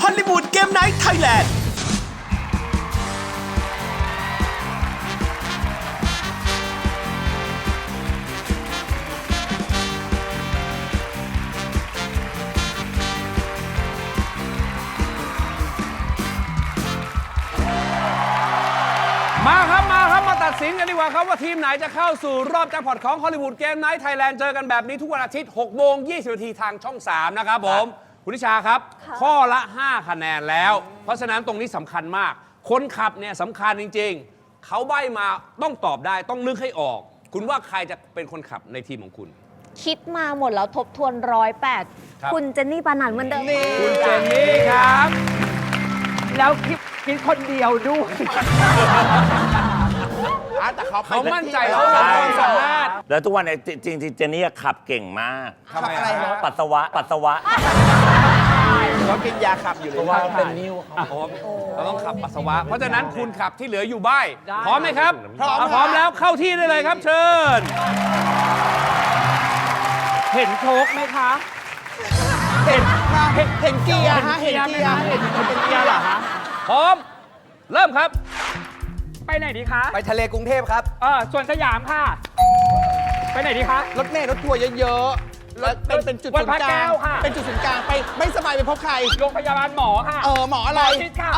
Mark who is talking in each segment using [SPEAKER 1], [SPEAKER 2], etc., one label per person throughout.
[SPEAKER 1] อลลีวูดเกมไนท์ไทยแลนด์
[SPEAKER 2] มาตัดสินกันดีกว่าครับว่าทีมไหนจะเข้าสู่รอบแจ็คพอตของฮอลลีวูดเกมไนท์ไทยแลนด์เจอกันแบบนี้ทุกวันอาทิตย์6 โมง 20 นาทีทางช่อง 3 นะครับผม คุณนิชาครับ ข้อละ 5 คะแนนแล้ว เพราะฉะนั้นตรงนี้สำคัญมาก คนขับเนี่ยสำคัญจริงๆ เขาใบ้มาต้องตอบได้ต้องนึกให้ออก คุณว่าใครจะเป็นคนขับในทีมของคุณ
[SPEAKER 3] คิดมาหมดแล้วทบทวน108 คุณเจนนี่ปานันเหมือนเดิม
[SPEAKER 2] คุณเจนนี่ครับ
[SPEAKER 4] แล้วคิดคนเดียวด้วย
[SPEAKER 5] แต่
[SPEAKER 2] เขามั่นใจเขามีความสามารถ
[SPEAKER 6] แล้วทุกวันเนี่ยจริงๆเจนนี่ขับเก่งมาก
[SPEAKER 2] ทำไมอะไรครับ
[SPEAKER 6] ปัสสาวะ
[SPEAKER 5] เขากินยาขับอยู่เลย
[SPEAKER 6] ว่าเป็นนิ้ว
[SPEAKER 2] เราต้องขับปัสสาวะ เพราะฉะนั้นคุณขับที่เหลืออยู่บ้ายพร้อมไหมครับ พร้อมแล้วเข้าที่ได้เลยครับเชิญ
[SPEAKER 4] เห็นโชคไหมคะ
[SPEAKER 5] เห็นเกียร์ฮะเห็นเกียร์
[SPEAKER 4] เห็นเกียร์เหรอคะ
[SPEAKER 2] พร้อม เริ่มครับ
[SPEAKER 4] ไปไหนดีคะ
[SPEAKER 5] ไปทะเลกรุงเทพครับ
[SPEAKER 4] ส่วนสยามค่ะ ไปไหนดีคะ
[SPEAKER 5] รถเมล์รถทัวร์เยอะๆแล้วเป็นจุด
[SPEAKER 4] วั
[SPEAKER 5] ศู
[SPEAKER 4] ด
[SPEAKER 5] น
[SPEAKER 4] พระ
[SPEAKER 5] ย์ก
[SPEAKER 4] แก้
[SPEAKER 5] ลาง
[SPEAKER 4] วค่ะ
[SPEAKER 5] เป็นจุดศูนย์กลางไปไม่สบายไปพบใคร
[SPEAKER 4] โรงพยาบาลหมอค่ะ
[SPEAKER 5] หมออะไร
[SPEAKER 4] หมอชิดค่ะ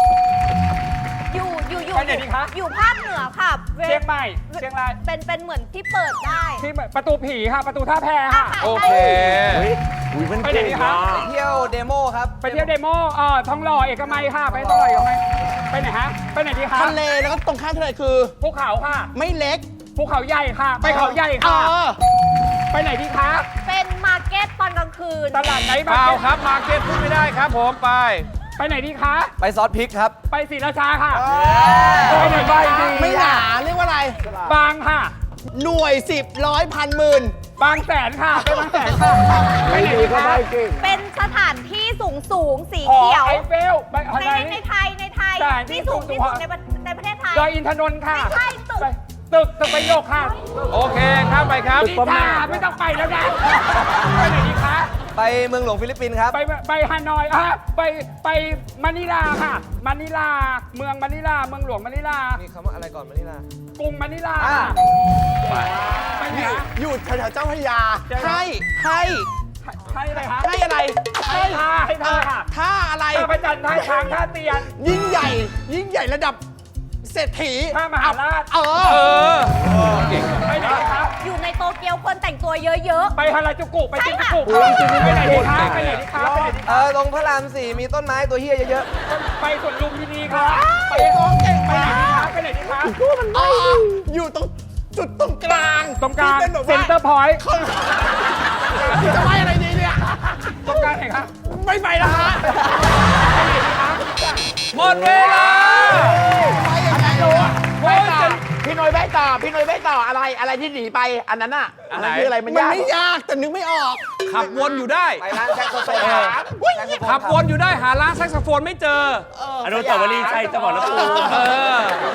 [SPEAKER 3] อยู่
[SPEAKER 4] ไปไหนดีคะ
[SPEAKER 3] อยู่ภาคเหนือค่ะ
[SPEAKER 4] เชียงใหม่เชียงราย
[SPEAKER 3] เป็นเหมือนที่เปิดได้
[SPEAKER 4] ที่ประตูผีค่ะ ประตูท่าแพค่ะ
[SPEAKER 2] โอเค
[SPEAKER 4] ไปไหนดีคะ
[SPEAKER 5] ไปเที่ยวเดโมครับ
[SPEAKER 4] ไปเที่ยวเดโมทองหล่อเอกมัยค่ะ ไปทองหล่อเอกมัยไปไหนฮะ ไปไหนดีคะ
[SPEAKER 5] ทะเลแล้วก็ตรงข้ามทะเลคือ
[SPEAKER 4] ภูเขาค่ะ
[SPEAKER 5] ไม่เล็ก
[SPEAKER 4] ภูเขาใหญ่ค่ะ ไปเขาใหญ่ค่ะ ไปไหนดีคะ
[SPEAKER 3] เป็นมาร์เก็ตตอนกลางคืน
[SPEAKER 4] ตลาดไหน
[SPEAKER 2] เปล่าครับ มาร์เก็ตพูดไม่ได้ครับผมไป
[SPEAKER 4] ไปไหนดีคะ
[SPEAKER 5] ไปซอสพริกครับ
[SPEAKER 4] ไปศรีราชาค่ะไปไหนบ้างดี
[SPEAKER 5] ไม่หนาเรียกว่าอะไร
[SPEAKER 4] บางค่ะ
[SPEAKER 5] หน่วย10ร้อยพันหมื่น
[SPEAKER 4] บางแสนค่ะ ไปบางแสนค่ะ ไปไหนดีคะ
[SPEAKER 3] เป็นสถานที่สูงสี
[SPEAKER 4] หอ
[SPEAKER 3] เขียว
[SPEAKER 4] ไอเฟลไปอะไร
[SPEAKER 3] ในไทย
[SPEAKER 4] สถานที่
[SPEAKER 3] ที่สูง
[SPEAKER 4] สู
[SPEAKER 3] ที่
[SPEAKER 4] ง
[SPEAKER 3] สุดในประเทศไทย
[SPEAKER 4] ดอยอินทนนท์ค่ะ
[SPEAKER 3] ไม่ใช่ตึก
[SPEAKER 4] ไปตึกประโยคค่ะ
[SPEAKER 2] โอเคข้ามไปครับ
[SPEAKER 4] นิชาไม่ต้องไปแล้วนะไปไหนดีคะ
[SPEAKER 5] ไปเมืองหลวงฟิลิปปินส์ครับ
[SPEAKER 4] ไปฮานอยไปมะนิลาค่ะมะนิลาเมืองมะนิลาเมืองหลวงมะนิลา
[SPEAKER 5] มีคำว่าอะไรก่อนมานี่ล่ะ
[SPEAKER 4] กรุงมะนิลา
[SPEAKER 5] อ่า
[SPEAKER 4] ไปไหนคะ
[SPEAKER 5] อยู่แถวๆเจ้าพระยา ให้
[SPEAKER 4] ให้อะไรคะ
[SPEAKER 5] ให้อะไร
[SPEAKER 4] ให้ท่าค่ะ
[SPEAKER 5] ท่าอะไร
[SPEAKER 4] ท่าพระจันทร์ท่าช้างท่าเตียน
[SPEAKER 5] ยิ่งใหญ่ระดับเศรษฐี
[SPEAKER 4] ท่ามหาราช
[SPEAKER 2] เออ
[SPEAKER 4] ไปไหนดีคะ
[SPEAKER 3] อยู่ในโตเกียวคนแต่งตัวเยอะ
[SPEAKER 4] ไปฮาราจูกุไปจินจูกุ
[SPEAKER 3] ใช่ค่ะ
[SPEAKER 4] ไปไหนดีคะไปไหนดีคะไปไหนดีคะ
[SPEAKER 5] ตรงพระราม4มีต้นไม้ตัวเฮียเยอะ
[SPEAKER 4] ไปสวนลุมพินีค่ะไปไหนดีคะไปไหนดีคะ
[SPEAKER 5] ๆอยู่ตรงจุดตรงกลาง
[SPEAKER 4] ตรงกลาง
[SPEAKER 5] ที่เป็นแบบ
[SPEAKER 4] เซ็น
[SPEAKER 5] ว่า
[SPEAKER 4] เตอร์พอยต์
[SPEAKER 5] จะไปอะไรดีเนี่ย
[SPEAKER 4] ตรงกลางไหนคะ
[SPEAKER 5] ไม่ไปละฮะ
[SPEAKER 4] ไปไหนดีคะ
[SPEAKER 2] หมดเวลา
[SPEAKER 5] ไปยังไง
[SPEAKER 4] พี่น้อยใบต่ออะไรที่หนีไปอันนั้นน่ะ
[SPEAKER 2] อันไหน
[SPEAKER 4] คืออะไรมัน
[SPEAKER 5] มัน
[SPEAKER 4] ยาก
[SPEAKER 5] ไม่ยากแต่นึกไม่ออก
[SPEAKER 2] ขับวนอยู่ได้
[SPEAKER 5] ไปร้านแจ็คโซเฟ
[SPEAKER 2] ขับวนอยู่ได้หาร้านแซกโซโฟนไม่เจอ
[SPEAKER 6] อนุสาวรีย์ชัยจังหวัดลบบุรี
[SPEAKER 2] เออ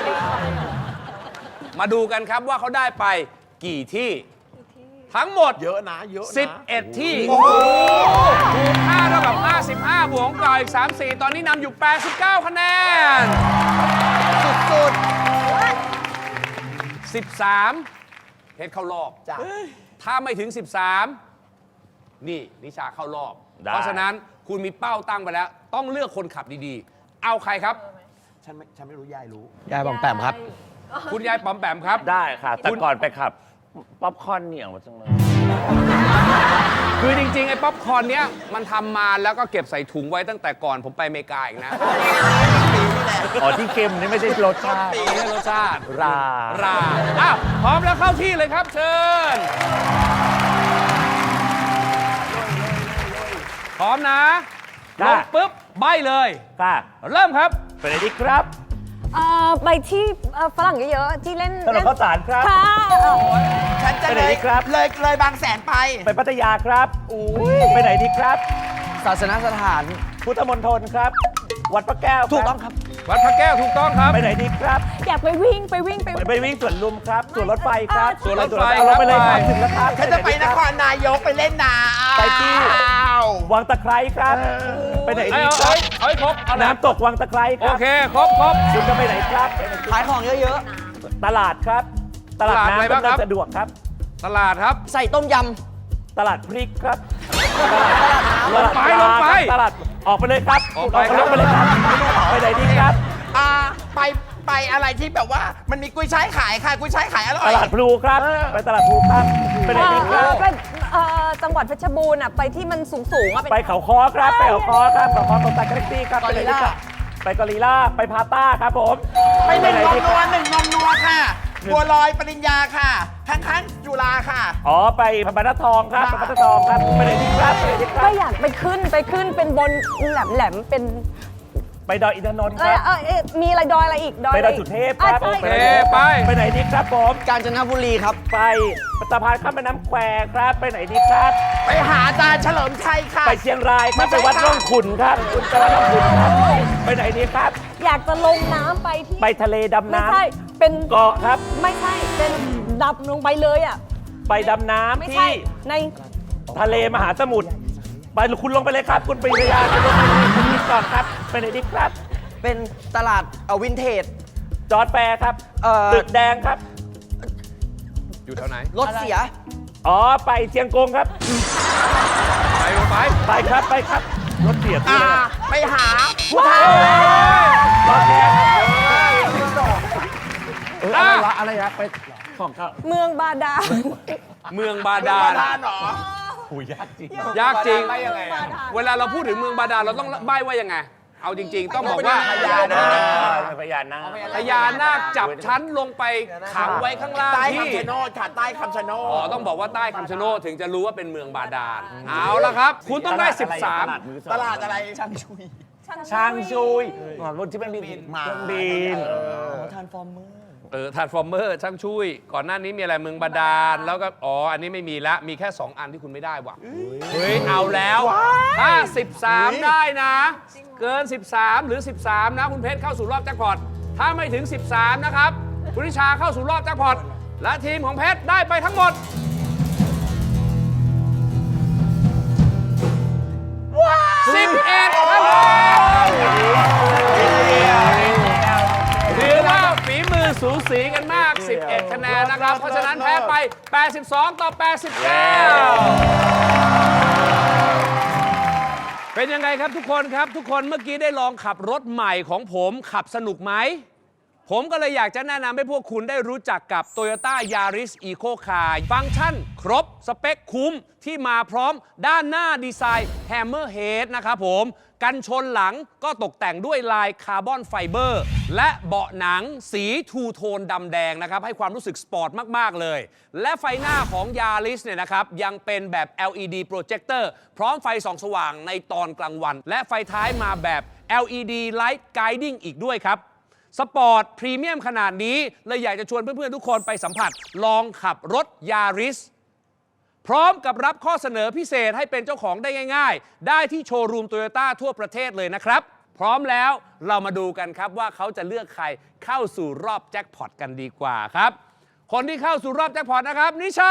[SPEAKER 2] มาดูกันครับว่าเขาได้ไปกี่ที่ ทั้งหมด
[SPEAKER 5] เยอะนะเยอะนะ
[SPEAKER 2] 11 ที่คูณ5เท่ากับ 55 บวกของเก่าอีก 34 ตอนนี้นำอยู่ 89 คะแนน
[SPEAKER 5] สุด
[SPEAKER 2] 13 เพชรเข้ารอบ
[SPEAKER 5] ๆจ้ะ
[SPEAKER 2] ถ้าไม่ถึง 13 นี่นิชาเข้ารอบ เพราะฉะนั้นคุณมีเป้าตั้งไปแล้ว ต้องเลือกคนขับดีๆ เอาใครครับ
[SPEAKER 5] ฉันไม่รู้ยายรู้ยายบองแปมครับ
[SPEAKER 2] คุณยายปอมแปมครับ
[SPEAKER 6] ได้ค่ะ แต่ก่อนไปขับ ป๊อปคอร์นเหนียวมาจังเลย
[SPEAKER 2] คือจริงๆ ไอ้ป๊อปคอร์นเนี้ยมันทำมาแล้วก็เก็บใส่ถุงไว้ตั้งแต่ก่อนผมไปอเมริกาอีกนะ
[SPEAKER 6] อ๋อที่เค็มนี่ไม่ใช่รสชาติ
[SPEAKER 2] ไม่ใช่รสชาติ
[SPEAKER 6] รา
[SPEAKER 2] ราอ้าวพร้อมแล้วเข้าที่เลยครับเชิญ พร้อมนะล
[SPEAKER 6] ได้
[SPEAKER 2] งปุ๊บใบเลย
[SPEAKER 6] ค่ะ
[SPEAKER 2] เริ่มครับ
[SPEAKER 6] ไปไหนดีครับ
[SPEAKER 3] ไปที่ฝรั่งเยอะๆที่เล่น
[SPEAKER 6] ถนนข้าวสารครับ
[SPEAKER 3] ค่ะ
[SPEAKER 5] ฉันจะ
[SPEAKER 6] ไปไหนดีครับ
[SPEAKER 5] เลยบางแสนไป
[SPEAKER 6] ไปพัทยาครับไปไหนดีครับ
[SPEAKER 5] ศาสนสถาน
[SPEAKER 6] พุทธมณฑลครับ วัดพระแก้วครับ
[SPEAKER 5] ถูกต้องครับ
[SPEAKER 2] วัดพระแก้วถูกต้องครับ
[SPEAKER 6] ไปไหนดีครับ
[SPEAKER 3] อยากไปวิ่ง
[SPEAKER 6] ไปวิ่งสวนลุมครับสวนรถไฟครับ
[SPEAKER 2] สวนรถไฟ
[SPEAKER 6] เอาเราไปเลยครับ
[SPEAKER 2] ครับ
[SPEAKER 6] ถึงแล้วครับ
[SPEAKER 5] ฉันจะไปนครนายกไปเล่นน้ำ
[SPEAKER 6] ไปที่วังตะไคร้ครับ ไปไหนดีครับ
[SPEAKER 2] เอาให้ครบเอาน้
[SPEAKER 6] น้ำตกวังตะไคร้ค
[SPEAKER 2] โอ
[SPEAKER 6] รับ
[SPEAKER 2] เคครบ
[SPEAKER 6] คุณจะไปไหนครับ
[SPEAKER 5] ขายของเยอะ
[SPEAKER 6] ตลาดครับ ตลาด
[SPEAKER 2] ตลาดอะไร
[SPEAKER 6] น้ำ
[SPEAKER 2] บ้างครับ
[SPEAKER 6] ดำเนินสะดวกครับ
[SPEAKER 2] ตลาดครับ
[SPEAKER 5] ๆ ใส่ต้มย
[SPEAKER 6] ตลาดพริกครับ
[SPEAKER 2] ลงไป
[SPEAKER 6] ตลาด
[SPEAKER 2] ลงไป
[SPEAKER 6] ตลาดออกไปเลยครับ
[SPEAKER 2] ออกไปครับ
[SPEAKER 6] ไปเลยครับไปไหนดีครับ
[SPEAKER 5] ไปอะไรที่แบบว่ามันมีกุ้ยช่ายขายค่ะกุ้ยช่ายขายอร่อ
[SPEAKER 6] ต
[SPEAKER 5] ย
[SPEAKER 6] ลาดพลูครับ ไปตลาดพลูครับไปไหนดีครับ
[SPEAKER 3] เป็นจังหวัดเพชรบูรณ์อ่ะไปที่มันสูงๆอ่ะ
[SPEAKER 6] ไปเขาคอครับ ไปเขาคอครับเขาคอตรงตากาแล็กซี่ครับไปไหนดีครับไปกอริลล่าไปพาต้าครับผม
[SPEAKER 5] ไปหนึ่ง
[SPEAKER 6] ไหน
[SPEAKER 5] นม
[SPEAKER 6] ดี
[SPEAKER 5] นั
[SPEAKER 6] คว รับ
[SPEAKER 5] หนึ่งนมนัวค่ะบัวลอยปริญญาค่ะข้างๆจุฬาค่ะ
[SPEAKER 6] อ๋อไปพระบรรทัดทองครับพระบรรทัดทองครับไปไหนดีครับไปไหนดีครั
[SPEAKER 3] ก็
[SPEAKER 6] บ
[SPEAKER 3] อยากไปขึ้นเป็นบนแหลมเป็น
[SPEAKER 6] ไปดอยอินทนนท์ครับ
[SPEAKER 3] มีอะไรดอยอะไรอีกดอย
[SPEAKER 6] ไปดอยสุเทพครับ
[SPEAKER 3] ใช่
[SPEAKER 2] โอเคไป
[SPEAKER 6] ไปไหนดีครับผม
[SPEAKER 5] กาญจนบุรีครับ
[SPEAKER 6] ไปสะพานข้ามแม่น้ำแควครับ ไปไหนดีครับ
[SPEAKER 5] ไปหาอาจารย์เฉลิมชัยค่ะ
[SPEAKER 6] ไปเชียงรายครับ
[SPEAKER 5] ไม่
[SPEAKER 6] ไป
[SPEAKER 5] ใช่
[SPEAKER 6] วัด
[SPEAKER 5] ค่ะ
[SPEAKER 6] ร่องขุนครับคุณไปวัดร่องขุนครับไปไหนดีครับ
[SPEAKER 3] อยากจะลงน้ำไปที่
[SPEAKER 6] ไปทะเลดำ
[SPEAKER 3] ไม่
[SPEAKER 6] น้
[SPEAKER 3] ใช่เป็น
[SPEAKER 6] ำเกาะครับ
[SPEAKER 3] ไม่ใช่เป็นดำลงไปเลยอ่ะ
[SPEAKER 6] ไปดำน้
[SPEAKER 3] ไม่
[SPEAKER 6] ำ
[SPEAKER 3] ใช่
[SPEAKER 6] ที่
[SPEAKER 3] ใน
[SPEAKER 6] ทะเลมหาสมุทรไปคุณลงไปเลยครับ คุณปริยาคุณลงไปเลยคุณคิดก่อนครับไปไหนดีครับ
[SPEAKER 5] เป็นตลาดวินเทจ
[SPEAKER 6] จอร์ดแฟร์ครับ ตึกแดงครับ
[SPEAKER 2] อยู่แถวไหน
[SPEAKER 5] รถเสีย
[SPEAKER 6] อ๋อไปเชียงกงครับ
[SPEAKER 2] ไปลงไป
[SPEAKER 6] ไปครับไปครับรถเสียด
[SPEAKER 5] ไปหาผู้ท้าร
[SPEAKER 6] ถเสีย
[SPEAKER 2] อะไรวะ
[SPEAKER 6] ไปของเขา
[SPEAKER 3] เมืองบาดาล
[SPEAKER 2] เมืองบาดาล
[SPEAKER 5] เหรอ
[SPEAKER 6] หูยากจริง
[SPEAKER 2] ยากจริง
[SPEAKER 3] เมืองบาดาล
[SPEAKER 2] เวลาเราพูดถึงเมืองบาดาลเราต้องใบ้ว่ายังไง เอาจริง ๆ ต้องบอกว่า
[SPEAKER 6] พญานาคพญานาค
[SPEAKER 2] พญานาคจับชั้นลงไปขังไว้ข้างล่าง
[SPEAKER 5] ใต้
[SPEAKER 2] ที่
[SPEAKER 5] คำชะโนดค่ะใต้คำชะโน
[SPEAKER 2] อ๋อ
[SPEAKER 5] ด
[SPEAKER 2] ต้องบอกว่าใต้คำชะโนดถึงจะรู้ว่าเป็นเมืองบาดาล เอาละครับ คุณต้องได้ 13
[SPEAKER 5] ตลาดอะไรช่างชุย
[SPEAKER 6] ช่างชุยรถที่มันบินเครื่องบิน
[SPEAKER 5] ทานฟอร์เมอร์
[SPEAKER 2] ทรานส์ฟอร์เมอร์ช่างช่วย ก่อนหน้านี้มีอะไรเมืองบาดาล แล้วก็ อ๋อ อันนี้ไม่มีละ มีแค่ 2 อันที่คุณไม่ได้ว่ะ เฮ้ย เอาแล้ว ถ้า 13 ได้นะ เกิน 13 หรือ 13 นะ คุณเพชรเข้าสู่รอบแจ็คพอต ถ้าไม่ถึง 13 นะครับ คุณนิชาเข้าสู่รอบแจ็คพอต และทีมของเพชรได้ไปทั้งหมด 11ครับผมถือว่าฝีมือสูสีกันมาก 11 คะแนนนะครับ เพราะฉะนั้นแพ้ไป 82 ต่อ 89 เป็นยังไงครับทุกคนครับ ทุกคนเมื่อกี้ได้ลองขับรถใหม่ของผมขับสนุกไหม ผมก็เลยอยากจะแนะนำให้พวกคุณได้รู้จักกับ Toyota Yaris Eco Car ฟังก์ชันครบ สเปคคุ้มที่มาพร้อมด้านหน้าดีไซน์ Hammerhead นะครับผม กันชนหลังก็ตกแต่งด้วยลายคาร์บอนไฟเบอร์ และเบาะหนังสีทูโทนดำแดงนะครับ ให้ความรู้สึกสปอร์ตมาก ๆ เลย และไฟหน้าของ Yaris เนี่ยนะครับ ยังเป็นแบบ LED Projector พร้อมไฟส่องสว่างในตอนกลางวัน และไฟท้ายมาแบบ LED Light Guiding อีกด้วยครับ สปอร์ตพรีเมียมขนาดนี้เลยอยากจะชวนเพื่อนๆทุกคนไปสัมผัสลองขับรถ Yaris พร้อมกับรับข้อเสนอพิเศษให้เป็นเจ้าของได้ง่ายๆ ได้ที่โชว์รูมโตโยต้าทั่วประเทศเลยนะครับ พร้อมแล้วเรามาดูกันครับว่าเขาจะเลือกใครเข้าสู่รอบแจ็คพอตกันดีกว่าครับ คนที่เข้าสู่รอบแจ็คพอตนะครับ นิชา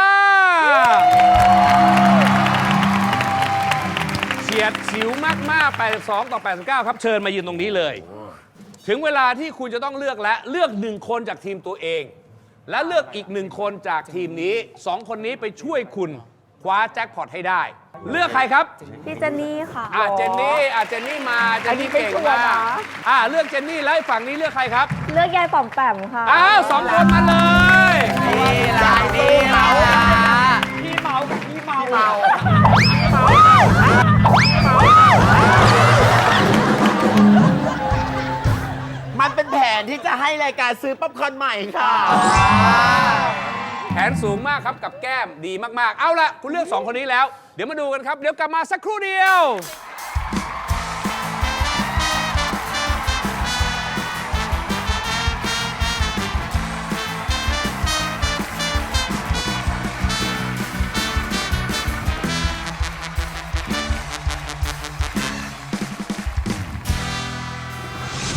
[SPEAKER 2] เฉียดฉิวมากๆ82 ต่อ 89 ครับเชิญมายืนตรงนี้เลย ถึงเวลาที่คุณจะต้องเลือกและเลือก1 คนจากทีมตัวเอง และเลือกอีก1 คนจากทีมนี้ 2 คนนี้ไปช่วยคุณคว้าแจ็คพอตให้ได้ เลือกใครครับ
[SPEAKER 3] พี่เจนนี่ค่ะ
[SPEAKER 2] เจนนี่มาเจนนี่เก่งมากเลือกเจนนี่แล้วฝั่งนี้เลือกใครครับ
[SPEAKER 3] เลือกยายป๋อมแปมค่ะ
[SPEAKER 2] 2 คนมาเลย
[SPEAKER 5] มันเป็นแผนที่จะให้รายการซื้อป๊อปคอร์นใหม่ค่ะ
[SPEAKER 2] แผนสูงมากครับกับแก้มดีมากๆ เอาละคุณเลือก 2 คนนี้แล้ว เดี๋ยวมาดูกันครับ เดี๋ยวกลับมาสักครู่เดียว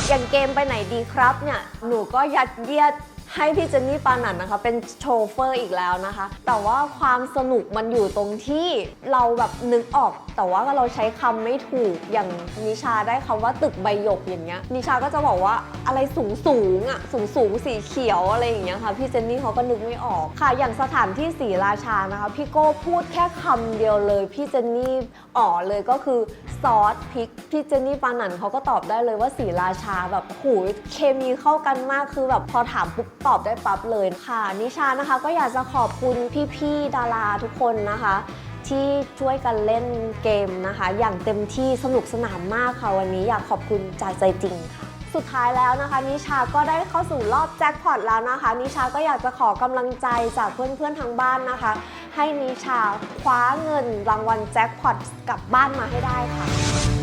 [SPEAKER 3] อย่างเกมไปไหนดีครับเนี่ยหนูก็ยัดเยียดให้พี่เจนนี่ปานันนะคะเป็นโชเฟอร์อีกแล้วนะคะแต่ว่าความสนุกมันอยู่ตรงที่เราแบบนึกออกแต่ว่าเราใช้คำไม่ถูกอย่างนิชาได้คำว่าตึกใบหยกอย่างเงี้ยนิชาก็จะบอกว่าอะไรสูงอ่ะสูงสีเขียวอะไรอย่างเงี้ยค่ะพี่เจนนี่เขาก็นึกไม่ออกค่ะอย่างสถานที่ศรีราชานะคะพี่โก้พูดแค่คำเดียวเลยพี่เจนนี่เลยก็คือซอสพริกพี่เจนนี่ปานันเขาก็ตอบได้เลยว่าศรีราชาแบบหูเคมีเข้ากันมากคือแบบพอถามปุ๊บตอบได้ปั๊บเลยค่ะนิชานะคะก็อยากจะขอบคุณพี่ๆดาราทุกคนนะคะที่ช่วยกันเล่นเกมนะคะอย่างเต็มที่สนุกสนานมากค่ะวันนี้อยากขอบคุณจากใจจริงค่ะสุดท้ายแล้วนะคะนิชาก็ได้เข้าสู่รอบแจ็คพอตแล้วนะคะนิชาก็อยากจะขอกำลังใจจากเพื่อนๆทางบ้านนะคะให้นิชาคว้าเงินรางวัลแจ็คพอตกลับบ้านมาให้ได้ค่ะ